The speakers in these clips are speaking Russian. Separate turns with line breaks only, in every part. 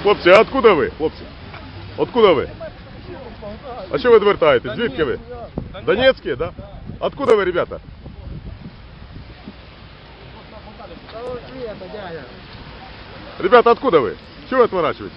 Хлопці, а откуда ви? Хлопці, откуда ви? А що ви відвертаєтесь? Звідки ви? Донецькі, да? Откуда ви, ребята? Ребята, откуда вы? Чего вы отворачиваетесь?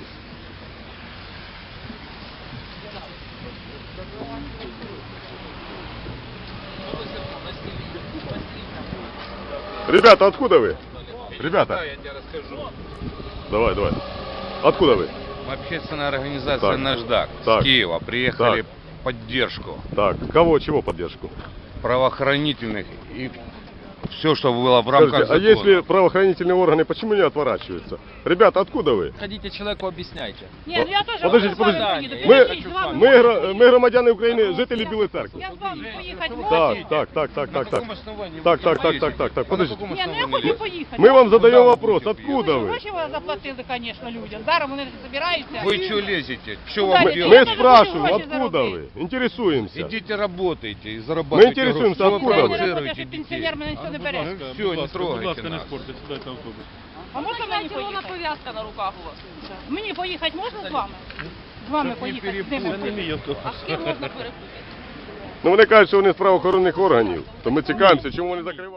Ребята, откуда вы? Ребята.
Я тебе расскажу.
Давай, давай. Откуда вы?
Общественная организация
Так.
«Наждак»
Так.
с Киева приехали
Так.
в поддержку
Так, кого, чего поддержку?
правоохранительных и все, что было в рамках
Скажите, а
закона.
если правоохранительные органы, почему не отворачиваются? Ребята, откуда вы?
Ходите человеку объясняйте.
Ні, ну я теж
Подождите,
з вами
подождите.
поїду.
Ми,
Я з вами
ми,
поїду.
ми громадяни України, жителі Білої церкви.
Я з вами поїхати можу?
Так.
На каком основании вы
Так,
туда
так,
поедете?
так,
На
подождите.
каком
Ні, ну я
основании?
хочу поїхати.
Мы вам задаем
Куда вы
вопрос,
будете
откуда вы?
Гроші ви заплатили, звісно, людям. Зараз вони збираються.
Вы что лезете? Что
Куда
вам
лезете?
делать?
Мы
тоже
спрашиваем,
хочу гроші
откуда вы?
заробити.
Интересуемся.
Идите работайте и
Мы
зарабатывайте
интересуемся,
гроши.
откуда
Что
вы?
провоцируете
Я
детей?
пенсіонер, мене нічого не бере.
Все, не трогайте нас.
А можна мені
Червона
поїхати?
пов'язка на руках у вас.
Мені поїхати можна з вами? З вами
Щоб не
поїхати? З ними поїхати?
А з ким можна перепутати?
Ну вони кажуть, що вони з правоохоронних органів. То ми цікавимося, чому вони закривають.